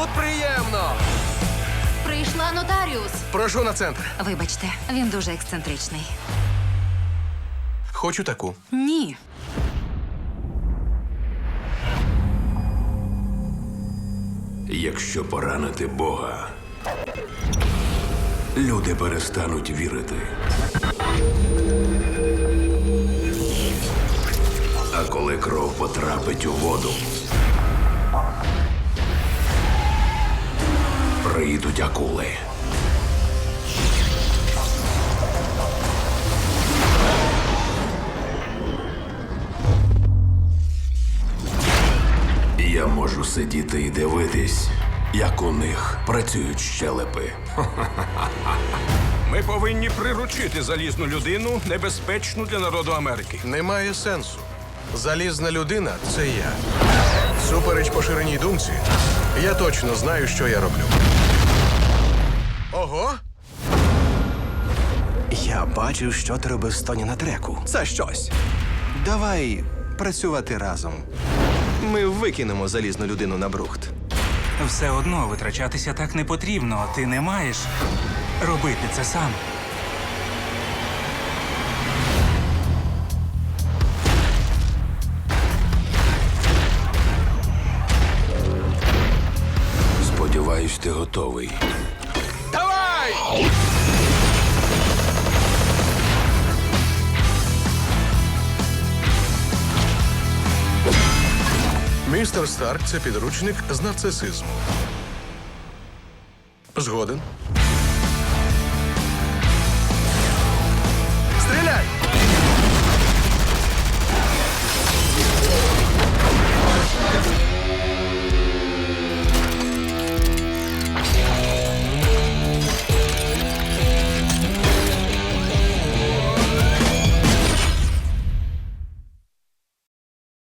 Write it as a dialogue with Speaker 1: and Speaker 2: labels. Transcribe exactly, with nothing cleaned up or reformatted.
Speaker 1: тут приємно.
Speaker 2: Прийшла нотаріус.
Speaker 1: Прошу на центр.
Speaker 2: Вибачте, він дуже ексцентричний.
Speaker 1: Хочу таку.
Speaker 2: Ні.
Speaker 3: Якщо поранити Бога, люди перестануть вірити. А коли кров потрапить у воду, прийдуть акули. Я можу сидіти і дивитись, як у них працюють щелепи.
Speaker 4: Ми повинні приручити залізну людину, небезпечну для народу Америки.
Speaker 1: Немає сенсу. Залізна людина – це я. Супереч поширеній думці, я точно знаю, що я роблю. Ого!
Speaker 5: Я бачив, що ти робив з Тоні на треку. Це щось. Давай працювати разом. Ми викинемо залізну людину на брухт.
Speaker 6: Все одно витрачатися так не потрібно. Ти не маєш робити це сам.
Speaker 3: Сподіваюсь, ти готовий.
Speaker 1: Давай! Містер Старк – це підручник з нарцисизму. Згоден.